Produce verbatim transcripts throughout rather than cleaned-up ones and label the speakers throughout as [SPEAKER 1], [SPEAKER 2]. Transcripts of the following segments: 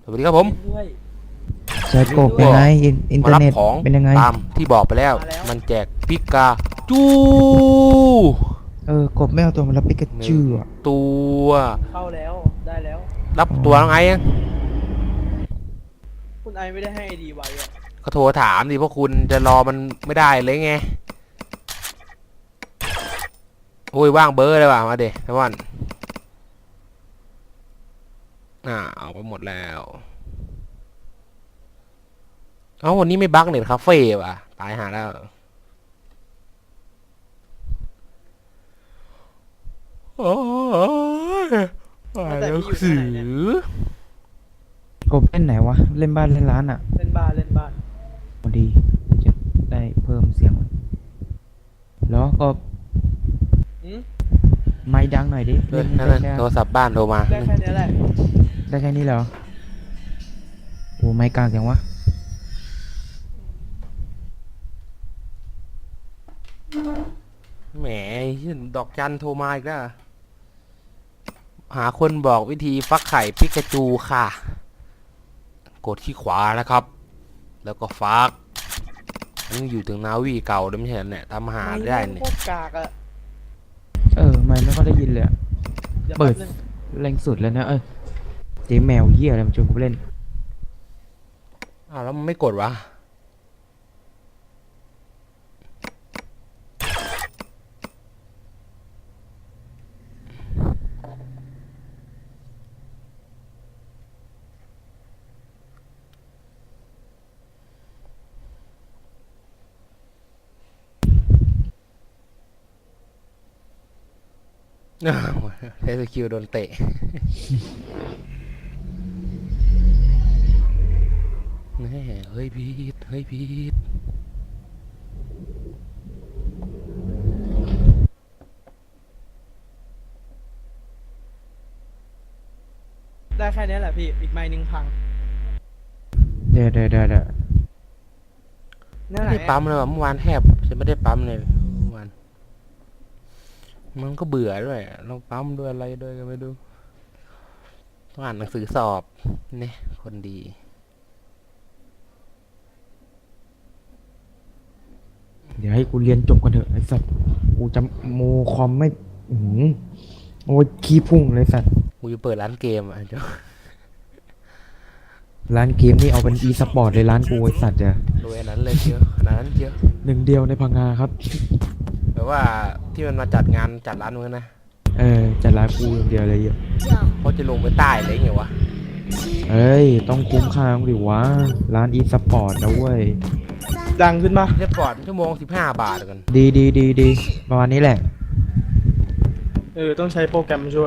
[SPEAKER 1] สวัสดีครับผม
[SPEAKER 2] ด้วย
[SPEAKER 3] เซิร์ชกบยังไงอินอินเท
[SPEAKER 1] มา
[SPEAKER 3] อร์
[SPEAKER 1] รับ
[SPEAKER 3] เน็ต
[SPEAKER 1] ของ
[SPEAKER 3] เป็นยังไง
[SPEAKER 1] ตามที่บอกไปแล้ว มันแจกปิกาจู
[SPEAKER 3] เออกบไม่เอาตัวมารับปิกาจูอ่ะ
[SPEAKER 1] ตัว
[SPEAKER 2] เข้าแล้วได้แล้ว
[SPEAKER 1] รับตัวน้องไอ้ยัง
[SPEAKER 2] คุณไอไม่ได้ให้ไอดีไว้อะ
[SPEAKER 1] ก็โทรถามดิเพราะคุณจะรอมันไม่ได้เลยไงโอ้ยว่างเบอร์เลยว่ะมาเด็กวันอ่าเอาไปหมดแล้วเอ้าวันนี้ไม่บั๊กเน็ตคาเฟ่ว่ะตายหาแล้วโอ้ยอ่านหนังสือก
[SPEAKER 3] บเล่นไหนวะเล่นบ้านเล่นร้านอ่ะ
[SPEAKER 2] เล่นบ้านเล่นบ้าน
[SPEAKER 3] พอดีจะได้เพิ่มเสียงแล้วก็
[SPEAKER 2] อืม
[SPEAKER 3] ไม้ดังหน่อยดิ
[SPEAKER 1] เอ
[SPEAKER 3] เล่
[SPEAKER 1] อน นั่น
[SPEAKER 3] ได้
[SPEAKER 1] น่ะ
[SPEAKER 3] แค่
[SPEAKER 1] โทรศัพท์บ้านโทรมา
[SPEAKER 2] ได้แค่นี้แหละ
[SPEAKER 3] ได้แค่นี้เหรอโอ้ไม้กลางอย่างวะ
[SPEAKER 1] แหมดอกจันโทรมาอีกแล้วหาคนบอกวิธีฟักไข่ปิกาจูค่ะกดที่ขวานะครับ แล้วก็ฟักนี่อยู่ถึงนาวีเก่าด้วยไม่ใช่เนี่ยทำอาหารได้เนี่ย
[SPEAKER 2] โคตรกากอะ
[SPEAKER 3] เออไม่ไม่ค่อยได้ยินเลยอะ
[SPEAKER 2] ดี๋ยว
[SPEAKER 3] เปิด
[SPEAKER 2] แป๊บนึง
[SPEAKER 3] แรงสุดแล้วนะเออเจ๊แมวเหี้ยอะไรมาชวนกูเล่น
[SPEAKER 1] อ้าวแล้วมันไม่กดวะอ้าวเทสคิวโดนเตะแน่เฮ้ยพีทเฮ้ยพีท
[SPEAKER 2] ได้แค่นี้แหละพี่อีกไม้หนึ่งพัง
[SPEAKER 3] เดี๋ยวเดี๋ยวเดี๋ยวเดี๋ยว
[SPEAKER 2] เนี่ย
[SPEAKER 1] ไม่
[SPEAKER 2] ไหน
[SPEAKER 1] ได้ปั๊มเลยว่ะเมื่อวานแทบจะไม่ได้ปั๊มเลยเมื่อวานมันก็เบื่อด้วยเราปั๊มด้วยอะไรด้วยก็ไม่รู้ต้องอ่านหนังสือสอบเนี่ยคนดี
[SPEAKER 3] เดี๋ยวให้กูเรียนจบกันเถอะไอ้สัตว์กูจะโมคอมไม่อื้อหือโอ้ยขี้พุ่งเลยสัตว์
[SPEAKER 1] กูจะเปิดร้านเกมอ่ะเจ้า
[SPEAKER 3] ร้านเกมนี่เอาเป็นอีสปอร์ตเลยร้านกูไอ้สัตว์จะ
[SPEAKER 1] รวยอันนั้นเลยเชียวขนาดนั้นเชียว
[SPEAKER 3] หนึ่งเดียวในพังงาครับ
[SPEAKER 1] แบบว่าที่มันมาจัดงานจัดร้านมึงนะ
[SPEAKER 3] เออจัดร้านกูอย่างเดียวเลยเยอะ
[SPEAKER 1] เขาจะลงไปใต้เลยไงวะ
[SPEAKER 3] เอ้ยต้องคุ้มค่าดิวะร้านอีสปอร์ตนะเว้ย
[SPEAKER 2] ดังขึ้นมา
[SPEAKER 1] เรียบก่อนชั่วโมงสิบห้าบาทกัน
[SPEAKER 3] ดีดีดีดีประมาณนี้แหละ
[SPEAKER 2] เออต้องใช้โปรแกรมช่วย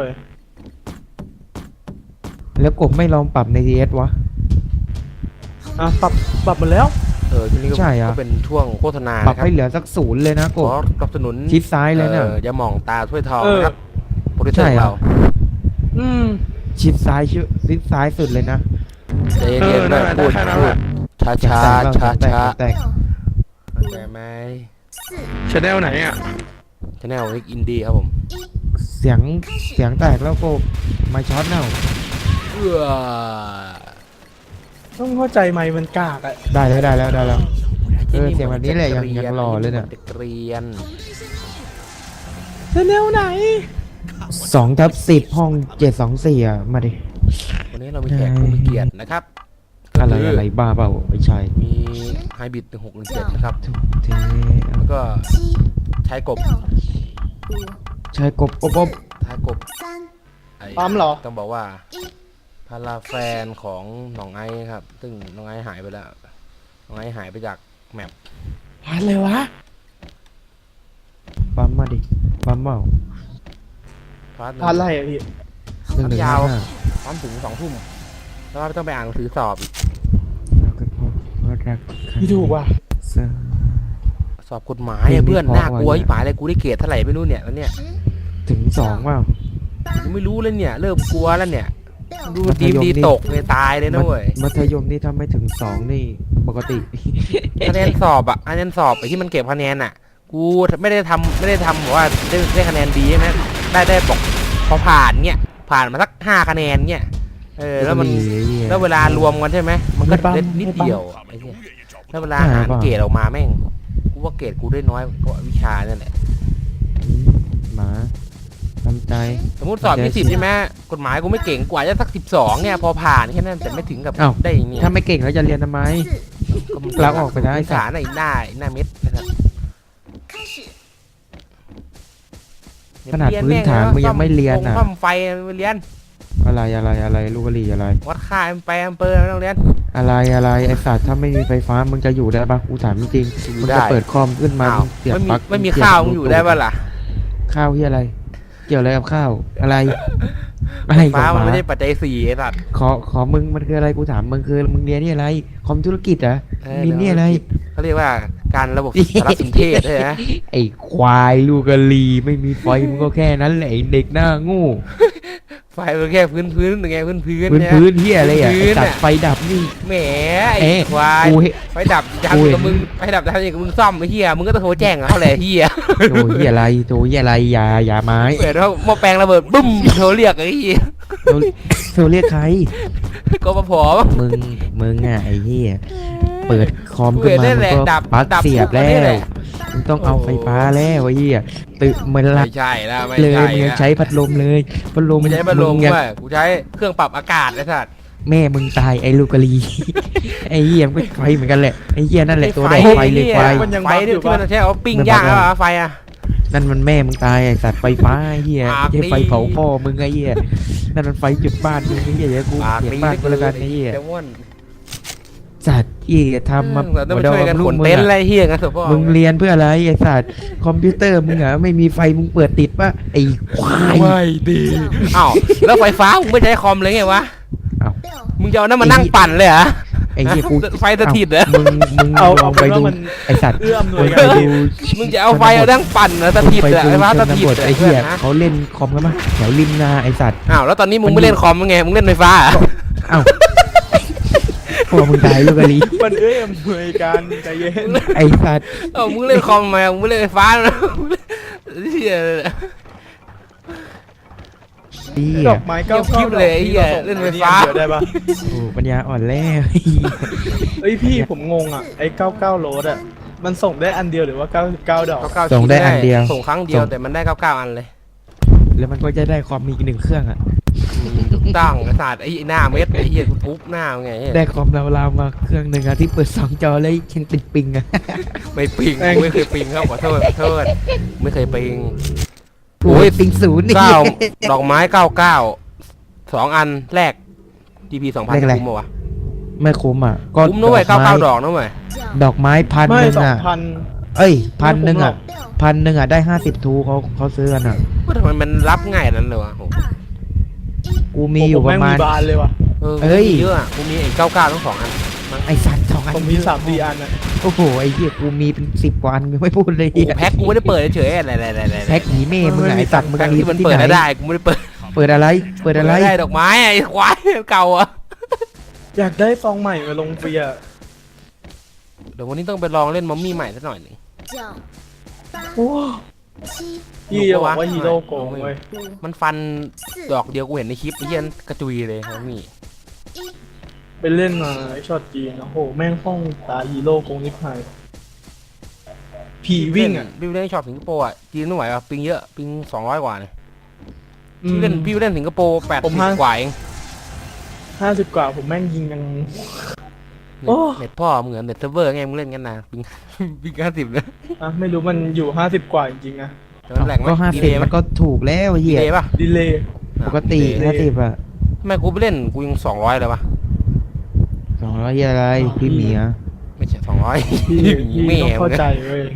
[SPEAKER 3] แล้วกบไม่ลองปรับใน ที เอส วะ
[SPEAKER 2] อ่ะปรับปรับหมดแล้ว
[SPEAKER 1] เออทีนี้ก็
[SPEAKER 3] ใช่อะ
[SPEAKER 1] ก็เป็นช่วงโฆษณา
[SPEAKER 3] ปรับ
[SPEAKER 1] นะครับ
[SPEAKER 3] ให้เหลือสักศูนย์เลยนะ
[SPEAKER 1] ข
[SPEAKER 3] กบ
[SPEAKER 1] อสนับสนุน
[SPEAKER 3] ชิดซ้ายเลยเนี่ย
[SPEAKER 1] อออย่ามองตาถ้วยทอง
[SPEAKER 2] เออ
[SPEAKER 1] นะครับโปรดิวเซอ
[SPEAKER 3] ใช่
[SPEAKER 1] ร์
[SPEAKER 3] เหรอ
[SPEAKER 1] เรา
[SPEAKER 2] อืม
[SPEAKER 3] ชิดซ้ายชื่อชิดซ้ายสุดเลยนะ
[SPEAKER 1] ใจเย็นๆ
[SPEAKER 2] เออนั่
[SPEAKER 1] นะ
[SPEAKER 2] นแหละ
[SPEAKER 1] พูด
[SPEAKER 2] ได้แค่นั้น
[SPEAKER 1] พู
[SPEAKER 2] แห
[SPEAKER 1] ด
[SPEAKER 2] ละ
[SPEAKER 1] ช้าช้าช้า
[SPEAKER 3] แตก
[SPEAKER 1] ช้า
[SPEAKER 3] แตก
[SPEAKER 1] เข้าใจไหม
[SPEAKER 2] ชแนลไหนอ่ะ
[SPEAKER 1] ชแนลนิกอินดี้ครับผม
[SPEAKER 3] เสียงเสียงแตกแล้วกบไม่ช็อตเน่า
[SPEAKER 1] เอื้อ
[SPEAKER 2] ต้องเข้าใจไม้มันกากอะ
[SPEAKER 3] ได้แล้วได้แล้วได้แล้ว เออเสียงแบบนี้แหละยังยังหล่อเลยเนี่ย
[SPEAKER 1] เด็กเรียน
[SPEAKER 2] ชแนลไหน
[SPEAKER 3] สองทับสิบห้องเจ็ดสองสี่อ่ะมาดิ
[SPEAKER 1] วันนี้เรามีแขกผู้มีเกียรตินะครับ
[SPEAKER 3] อะไร
[SPEAKER 1] ก็คื
[SPEAKER 3] อะไรบ้าเปล่าไม่ใช่
[SPEAKER 1] มีไฮบิดหนึ่งหกหนึ่งเจ็ดนะครับ
[SPEAKER 3] ทุกเท
[SPEAKER 1] แล้วก็ใช้กบ
[SPEAKER 3] ใช่กบอบอบ
[SPEAKER 1] ท้ายกบไอ้
[SPEAKER 2] ปั๊มเหรอ
[SPEAKER 1] ต้องบอกว่าพาราแฟนของน้องไอซ์ครับ ซึ่งน้องไอซ์หายไปแล้ว น้องไอซ์หายไปจากแมป
[SPEAKER 2] อะไรวะ
[SPEAKER 3] ปั๊มมาดิปั๊มเปล่า
[SPEAKER 1] พาร์ทหนึ่
[SPEAKER 2] อะไร
[SPEAKER 1] ง
[SPEAKER 2] อะพี่
[SPEAKER 3] หนึ่งหนึ่ง
[SPEAKER 1] ยาว
[SPEAKER 3] ห้า
[SPEAKER 1] พร้อมถึงสองทุ่มแล้วก็ต้องไปอ่านหนังสือสอบอีก
[SPEAKER 3] แล้วก็พบว่ารัก
[SPEAKER 2] พี่ถูกว่ะ
[SPEAKER 3] เสื้อ
[SPEAKER 1] สอบกฎหมายอะเพื่อน
[SPEAKER 3] เพลงนี้
[SPEAKER 1] น่ากลัว
[SPEAKER 3] เพราะว่ะ
[SPEAKER 1] ที่หมายอะไรกูได้เกรดเท่าไหร่ไม่รู้เนี่ยแล้วเนี่ย
[SPEAKER 3] ถึงสองเปล่า
[SPEAKER 1] กูไม่รู้เลยเนี่ย เริ่มกลัวแล้วเนี่ย ดู
[SPEAKER 3] มัธ
[SPEAKER 1] ดี
[SPEAKER 3] ยม
[SPEAKER 1] ดี
[SPEAKER 3] นี่
[SPEAKER 1] ตกเลยตายเลยนะเว้ย
[SPEAKER 3] มัธยมนี่ถ้าไม่ถึงสองนี่ปกติ
[SPEAKER 1] คะแนนสอบอะคะแนนสอบไอ้ที่มันเก็บคะแนนอะกูไม่ได้ทำไม่ได้ทำแบบว่าได้ได้คะแนนดีใช่ไหมได้ได้บอกพอผ่านเงี้ยผ่านมาสักห้าคะแนนเงี้ยเออแล้วมัน แล้วเวลารวมกันใช่ไหมมันก็เล็ดนิดเดียวอะไอ้เหี้ยแล้วเวลาหารเกรดออกมาแม่งกูว่าเกรดกูได้น้อยกว่าวิชานั่นแหละ
[SPEAKER 3] หมาทำใจ
[SPEAKER 1] สมมติสอบยี่สิบใช่ไหมกฎหมายกูไม่เก่งกว่าจะสักสิบสองเนี่ยพอผ่านแค่นั้นแต่ไม่ถึงกับ
[SPEAKER 3] อ้าว
[SPEAKER 1] ได้เนี่ย
[SPEAKER 3] ถ้าไม่เก่งแล้วจะเรียนทำไม ลาออกไปได้
[SPEAKER 1] สารไอ้หน้าไอ้หน้าเม็ดนะครับ
[SPEAKER 3] ขนาดพื้นฐานมึงยังไม่เรียน
[SPEAKER 1] อ่ะ
[SPEAKER 3] อ่ะ
[SPEAKER 1] ซ่อมไฟไม่เรียน
[SPEAKER 3] อะไรอะไรอะไรลูกกะหรี่อะไร
[SPEAKER 1] วัดค่าแอมแปร์แอมเปอร์ไม่ต้องเรียน
[SPEAKER 3] อะไรอะไรไอสัตว์ถ้าไม่มีไฟฟ้ามึงจะอยู่ได้ปะกูถามจริงๆ
[SPEAKER 1] อยู่
[SPEAKER 3] มึง
[SPEAKER 1] ได้
[SPEAKER 3] จะเปิดคอมขึ้นมา
[SPEAKER 1] อ้าว
[SPEAKER 3] มึงเสียบ
[SPEAKER 1] ไม่มี
[SPEAKER 3] ปลั๊ก
[SPEAKER 1] ไม่มี
[SPEAKER 3] เสีบ
[SPEAKER 1] ข้าวมึง
[SPEAKER 3] บลู
[SPEAKER 1] อยู่ได้ป่ะล่ะ
[SPEAKER 3] ข้าวที่อะไร เกี่ยวอะไรกับข้าวอะไรอะไร
[SPEAKER 1] ฟ้า
[SPEAKER 3] กับห
[SPEAKER 1] มัน
[SPEAKER 3] มา
[SPEAKER 1] ไม่ได้ปัจจัยสี่ไอ้สัตว์
[SPEAKER 3] ขอขอมึงมันคืออะไรกูถามมึงคือมึงเรียนนี่อะไรคอมธุรกิจเหรอ
[SPEAKER 1] เออ
[SPEAKER 3] มีนี่อะไร
[SPEAKER 1] เขาเรียกว่าการระบบสารสนเทศใช่ไหม
[SPEAKER 3] ไอ้ควายลูกกะหรี่ไม่มีไฟมึงก็แค่นั้นแหละไอ้เด็กหน้าโงู
[SPEAKER 1] ไฟมันแค่พื้นพื้นๆยังไงพื้นพื้น
[SPEAKER 3] พื้น
[SPEAKER 1] เนี่ย
[SPEAKER 3] พื้นเฮียอะไรอ่ะ
[SPEAKER 1] พื้
[SPEAKER 3] ไอ้
[SPEAKER 1] น
[SPEAKER 3] ตัด
[SPEAKER 1] น่ะ
[SPEAKER 3] ไฟดับนี่
[SPEAKER 1] แหมไอ้
[SPEAKER 3] เอ๊ะ
[SPEAKER 1] ควาย
[SPEAKER 3] กูเห็น
[SPEAKER 1] ไฟดับยั
[SPEAKER 3] กู
[SPEAKER 1] ง
[SPEAKER 3] เห็น
[SPEAKER 1] กับมึงไฟดับทำอย่างกับมึงซ่อมไอ้เหี้ยมึงก็ต้องโทรแจ้งเขาแหละเหี้ย
[SPEAKER 3] โตเฮียอะไรโตเฮียอะไรอย่าอย่าไม้
[SPEAKER 1] เปิดว่าหม้อแปลงระเบิดบึ้มโทรเรียกไอ้เหี้ย
[SPEAKER 3] โทรโทรเรียกใคร
[SPEAKER 1] ก็มาพอมั้ง
[SPEAKER 3] มึงมึงอ่ะไอ้เฮียเปิดคอม
[SPEAKER 1] กู
[SPEAKER 3] ขึ้น
[SPEAKER 1] เห็น
[SPEAKER 3] มา
[SPEAKER 1] นั่น
[SPEAKER 3] มึ
[SPEAKER 1] แห
[SPEAKER 3] ง
[SPEAKER 1] ละ
[SPEAKER 3] ก็
[SPEAKER 1] ดับ
[SPEAKER 3] ปลั๊ก
[SPEAKER 1] ดับ
[SPEAKER 3] เสียบ
[SPEAKER 1] ปุ๊
[SPEAKER 3] แล้
[SPEAKER 1] นี่ห
[SPEAKER 3] ว
[SPEAKER 1] ละ
[SPEAKER 3] มึงต้องเอาไฟฟ้าแล้วไอ้เฮียตื่นเหมือนละ
[SPEAKER 1] ไม่ใช่แล้วไม่
[SPEAKER 3] เลย
[SPEAKER 1] ใช่
[SPEAKER 3] มึงยัง
[SPEAKER 1] แล้ว
[SPEAKER 3] ใช้พัดลมเลยพัดลม
[SPEAKER 1] ไม่ใช้พัดลม
[SPEAKER 3] งยัง
[SPEAKER 1] เว้ยกูใช้เครื่องปรับอากาศไอ้สัตว์
[SPEAKER 3] แม่มึงตายไอ้ลูกกะลี ไอ้เหี้ยมันก็ไฟเหมือนกันแหละไอ้เหี้ยนั่นแหละตัวแดกไฟเลยไฟ
[SPEAKER 2] มันยัง
[SPEAKER 1] ไฟ
[SPEAKER 2] บัฟ
[SPEAKER 1] ที่
[SPEAKER 2] อยู่
[SPEAKER 1] ที่
[SPEAKER 2] ปะ
[SPEAKER 1] มันใช้เอาปิ้งย่างแล้วไฟอ่ะ
[SPEAKER 3] นั่นมันแม่มึงตายไอ้สัตว์ไฟฟ้าไอ้เหี้ย
[SPEAKER 1] ปาก
[SPEAKER 3] ไม่ใช่ไฟ
[SPEAKER 1] ดี
[SPEAKER 3] เผาพ่อมึงไอ้เหี้ยนั่นมันไฟจุดบ้านมึงไอ้เหี้ยเดี๋ยวกู
[SPEAKER 1] ปาก
[SPEAKER 3] เก็บ
[SPEAKER 1] ดี
[SPEAKER 3] บ้านกูแล้วกันไอ้เหี้ย
[SPEAKER 1] จะว่น
[SPEAKER 3] สัตว์เหี้ยทำมา
[SPEAKER 1] เราต้องมาช่วยกันขนเต็นท์อะไรเฮียกันสุดพ่อ
[SPEAKER 3] มึงเรียนเพื่ออะไรไอ้สัตว์คอมพิวเตอร์มึงอะไม่มีไฟมึงเปิดติดปะไอ้ควาย
[SPEAKER 1] ไม่ดีอ้าวแล้วไฟฟ้ามึงไม่ใช้คอมเลยไงวะ
[SPEAKER 3] อ้าว
[SPEAKER 1] มึงจะเอานั่นมานั่งปั่นเลยเหรอ
[SPEAKER 3] ไอ้เหี้ยกู
[SPEAKER 1] ไฟสถิตเหรอ
[SPEAKER 3] มึงมึง
[SPEAKER 2] เอา
[SPEAKER 3] ลอ
[SPEAKER 2] เอา
[SPEAKER 3] ง
[SPEAKER 2] ไป
[SPEAKER 3] ไป
[SPEAKER 2] ว่า
[SPEAKER 3] ดู
[SPEAKER 2] มัน
[SPEAKER 3] ไอ้สัตว์
[SPEAKER 2] เอื้ออำนว
[SPEAKER 3] มึ
[SPEAKER 2] ย
[SPEAKER 3] ง
[SPEAKER 2] กั
[SPEAKER 3] ไป
[SPEAKER 2] น
[SPEAKER 3] ดู
[SPEAKER 1] มึงจะเอาไฟเอานั่งปั่นเหรอสถิต
[SPEAKER 3] ไป
[SPEAKER 1] เหรอ
[SPEAKER 3] ดู
[SPEAKER 1] ไฟฟ้า
[SPEAKER 3] ช
[SPEAKER 1] ส
[SPEAKER 3] น
[SPEAKER 1] ถิต
[SPEAKER 3] บท
[SPEAKER 1] เหรอ
[SPEAKER 3] ไอ้เหี้ย
[SPEAKER 1] นะ
[SPEAKER 3] เขาเล่นคอมกันปะแถวริมนาไอ้สัตว์
[SPEAKER 1] อ้าวแล้วตอนนี้มึง
[SPEAKER 3] มัน
[SPEAKER 1] ไม่เล่นคอมไงมึงเล่นไฟฟ้าเหรอ
[SPEAKER 3] เอ้าพวกมึงตายลูกกะลี
[SPEAKER 2] มันเอื้ออำนวยกันใจเย็น
[SPEAKER 3] ไอ้สัตว์
[SPEAKER 1] เอ้ามึงเล่นคอมทำไมมึงไม่เล่นไฟฟ้านะเฮีย
[SPEAKER 3] เหี้
[SPEAKER 2] ด
[SPEAKER 3] ย
[SPEAKER 2] อกไม้เก้า
[SPEAKER 1] คลิปเลยไอ้เหี้ยเล่นไฟฟ้า
[SPEAKER 2] เดี๋ยวได้ปะ
[SPEAKER 3] โอ้ปัญญาอ่อนแล้ว
[SPEAKER 2] เอ้ยพี่ผมงงอ่ะไอ้เก้าเก้าโรดอ่ะมันส่งได้อันเดียวหรือว่าเก้าสิบเก้าดอก
[SPEAKER 1] เก้า
[SPEAKER 3] ส่งได้อันเดียว
[SPEAKER 1] ส่งครั้งเดียวแต่มันได้เก้าเก้าอันเลย
[SPEAKER 3] แล้วมันก็จะได้คอมมีอีกหนึ่งเครื่องอ่ะ
[SPEAKER 1] อืมถูกต้องไอ้ศาสตร์ไอ้หน้าเม็ดไอ้เหี้ยกูทุบหน้ามึงไงเหี้ย
[SPEAKER 3] ได้คอมเราวๆมาเครื่องหนึ่งอะที่เปิดสองจอแล้วยังติดปิงอะ
[SPEAKER 1] ไม่ปิงกูไม่เคยปิงครับขอโทษขอโทษไม่เคยปิง
[SPEAKER 3] โอ้ยปิงศูนย์นี่
[SPEAKER 1] เก้าดอกไม้เก้าเก้าสองอันแรก จี พี สองพัน
[SPEAKER 3] เลขอะไร
[SPEAKER 1] คุ้มปะวะ
[SPEAKER 3] ไม่คุ้มอ่ะก็
[SPEAKER 1] คุ้มนะเว้ย
[SPEAKER 3] ด
[SPEAKER 1] เก้า
[SPEAKER 3] อกไม้
[SPEAKER 1] เก้าดอกนะเว้ย
[SPEAKER 3] ดอกไม้พัน
[SPEAKER 2] ไม่
[SPEAKER 3] หนึ่ง
[SPEAKER 2] สอง
[SPEAKER 3] อ่ะ
[SPEAKER 2] พัน
[SPEAKER 3] เอ้ยพันหนึ่งอ่ะพันหนึ่งอ่ะได้ห้าสิบทูเขาเขาซื้อกันอ่ะ
[SPEAKER 1] ว่าทำไมมันรับง่ายนั้นเลยวะโห
[SPEAKER 3] กูมีอยู่ประมาณ
[SPEAKER 2] แงบานเลยว่ะ
[SPEAKER 1] เออ
[SPEAKER 3] เอ้
[SPEAKER 1] กู
[SPEAKER 3] ย
[SPEAKER 1] มีเยอะอะกูมีไอ้เก้าเก้าทั้งสองอัน
[SPEAKER 3] ไอสัตว์สองอัน
[SPEAKER 2] ผมมีสามสี่อันอ่ะ
[SPEAKER 3] โอ้โหไอ้เหี้ยกูมีเป็นสิบกว่าอันมึงไม่พูดเลย
[SPEAKER 1] กูแพ็คกูไม่ได้เปิดเฉยๆอะไรอะไรอะไร
[SPEAKER 3] แพ็คหนีแม่มึงอะไอสัตว์มึง
[SPEAKER 1] แพ็ค
[SPEAKER 3] มี
[SPEAKER 1] ที่มัน
[SPEAKER 3] ที่
[SPEAKER 1] เปิด
[SPEAKER 3] ไหน
[SPEAKER 1] ได้กูไม่ได้เปิด
[SPEAKER 3] เปิดอะไร เปิดอะไร
[SPEAKER 1] ม่ได้ดอกไม้ไอ้ควายเก่าอะ
[SPEAKER 2] อยากได้ซองใหม่มาลงฟรีอ่ะ
[SPEAKER 1] เดี๋ยววันนี้ต้องไปลองเล่นมัมมี่ใหม่สักหน่อยหนึ่ง
[SPEAKER 2] โอ้พี่จะบอกว่าฮีโร่โกงเว้ย
[SPEAKER 1] มันฟันดอกเดียวกูเห็นในคลิปไอ้เหี้ยกระจุยเลยมัมมี่
[SPEAKER 2] ไปเล่นมาไอ้ช็อตจีนโอ้โหแม่งห้องตาฮีโร่โกงนิพพายผีวิ่งอ่ะ
[SPEAKER 1] พี่เล่นช็อปสิงคโปร์อ่ะจีนไม่ไหวอ่ะปิงเยอะปิงสองร้อยกว่าเนี่ย
[SPEAKER 2] อืม
[SPEAKER 1] พี่เล่นพี่เล่นสิงคโปร์แปด
[SPEAKER 2] ผม
[SPEAKER 1] สิบ
[SPEAKER 2] ห้า
[SPEAKER 1] กว่าเอง
[SPEAKER 2] ห้าสิบกว่าผมแม่งยิงยัง โอ้
[SPEAKER 1] เน็ตพ่อเหมือนเน็ตเซิร์ฟเวอร์ไงมึงเล่นกันนะปิง ปิงห้าสิบเลย
[SPEAKER 2] อ่ะไม่รู้มันอยู่ห้าสิบกว่าจริงๆนะ
[SPEAKER 1] แต่มันแหลกไหม
[SPEAKER 3] ก็ห้า
[SPEAKER 1] ดี
[SPEAKER 3] สิ
[SPEAKER 1] เล
[SPEAKER 3] บ
[SPEAKER 1] ย์ไหม
[SPEAKER 3] มันก็ถูกแล้วไอ้
[SPEAKER 1] ดี
[SPEAKER 3] เหี้ย
[SPEAKER 1] เลยป่ะ
[SPEAKER 2] ดีเลย์
[SPEAKER 3] ปกติ
[SPEAKER 2] ดีเลย
[SPEAKER 3] ห้าสิบอะ
[SPEAKER 1] ทำไมกูไปเล่นกูยังสองร้อยเลยป่ะ
[SPEAKER 3] สองร้อยอะไรพี่เหมีย
[SPEAKER 1] ไม่ใช่สองร้อย
[SPEAKER 2] พี่พี่
[SPEAKER 1] แม่
[SPEAKER 2] ต้องเข้า
[SPEAKER 1] มึง
[SPEAKER 2] ใจเว้ย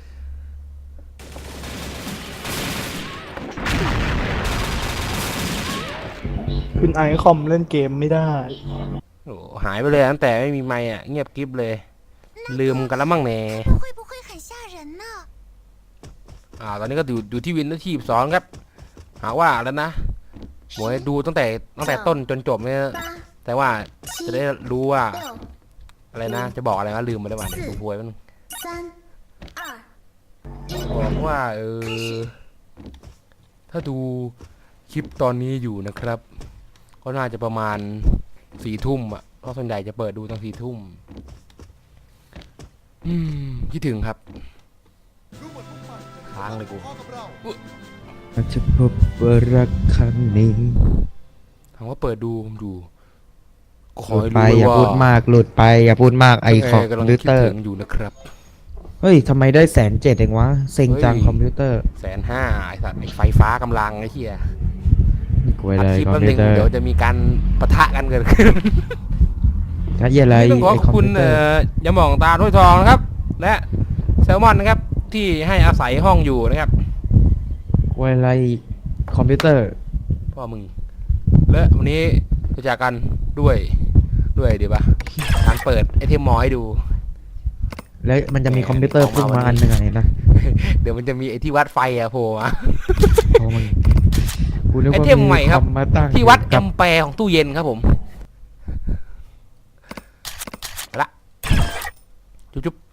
[SPEAKER 2] คุณไอคอมเล่นเกมไม่ได้
[SPEAKER 1] โอ้หายไปเลยตั้งแต่ไม่มีไมค์อ่ะเงียบกริบเลย ลืมกันแล้วมั่งแน่
[SPEAKER 4] 会不会很吓人呢？
[SPEAKER 1] อ่าตอนนี้ก็อยู่อยู่ที่วินที่ทีสองครับ หาว่าแล้วนะหมวยดูตั้งแต่ตั้งแต่ต้นจนจบเนี่ยแต่ว่าจะได้รู้ว่าอะไรนะ จะบอกอะไรวะลืมไปแล้วว่ะเดี๋ยวดูพวยมัน
[SPEAKER 4] 三、二、
[SPEAKER 1] บอกว่าเออถ้าดูคลิปตอนนี้อยู่นะครับก็น่าจะประมาณสี่ทุ่มอ่ะเพราะส่วนใหญ่จะเปิดดูตอนสี่ทุ่มอืมคิดถึงครับค้างเลยกู
[SPEAKER 3] อาจจะพบว่ารักครั้งนี้
[SPEAKER 1] ถามว่าเปิดดูผมดูข
[SPEAKER 3] ห
[SPEAKER 1] อ
[SPEAKER 3] ลุด
[SPEAKER 1] ให้
[SPEAKER 3] ไป
[SPEAKER 1] รู้
[SPEAKER 3] อย่า
[SPEAKER 1] ว่า
[SPEAKER 3] พูดมากหลุดไปอย่าพูดมากไอคอม
[SPEAKER 1] กำลัง
[SPEAKER 3] พิว
[SPEAKER 1] คิด
[SPEAKER 3] เตอร์
[SPEAKER 1] ถึงอยู่นะครับ
[SPEAKER 3] เฮ้ยทำไมได้แสนเจ็ดเองวะเซ็งจัง
[SPEAKER 1] เฮ้ย
[SPEAKER 3] คอมพิวเตอร์
[SPEAKER 1] แสนห้าไอ้สัตว์ไอ้ไฟฟ้ากำลังไอ้เหี้ย
[SPEAKER 3] กวย
[SPEAKER 1] อัด
[SPEAKER 3] เลย
[SPEAKER 1] คลิป
[SPEAKER 3] คอม
[SPEAKER 1] แป๊บ
[SPEAKER 3] พิ
[SPEAKER 1] นึ
[SPEAKER 3] ว
[SPEAKER 1] ง
[SPEAKER 3] เตอร์
[SPEAKER 1] เดี๋ยวจะมีการปะทะกันเกิดขึ้น
[SPEAKER 3] ถ้าเหี้ยอะไร
[SPEAKER 1] ต้องขอ
[SPEAKER 3] ไอ
[SPEAKER 1] ขอบ
[SPEAKER 3] คอม
[SPEAKER 1] คุณ
[SPEAKER 3] พิวเตอ
[SPEAKER 1] เอ่
[SPEAKER 3] ร์
[SPEAKER 1] อยาหม่องตาถ้วยทองนะครับ และแซลมอนนะครับ ที่ให้อาศัยห้องอยู่นะครับ
[SPEAKER 3] กวยอะไรคอมพิวเตอร์
[SPEAKER 1] พ่อมึง และวันนี้จะจากกันด้วยด้วยเดี๋ยวปะการเปิดไอเทมมอให้ดู
[SPEAKER 3] แล้วมันจะมีคอมพิวเตอร์
[SPEAKER 1] ออกมา
[SPEAKER 3] พุ่ง
[SPEAKER 1] วัน
[SPEAKER 3] มา
[SPEAKER 1] นี้
[SPEAKER 3] อันหนึ่งอะเห็นปะ
[SPEAKER 1] เดี๋ยวมันจะมีไอที่วัดไฟอะโผล่มา
[SPEAKER 3] โอ้มึงกูนึก
[SPEAKER 1] ไอ
[SPEAKER 3] ว่า
[SPEAKER 1] เทมใหม่ครับ
[SPEAKER 3] อมาตั้ง
[SPEAKER 1] ที่วัดแอ
[SPEAKER 3] กับ
[SPEAKER 1] มแปร์ของตู้เย็นครับผมเอาละจุ๊บจุ๊บ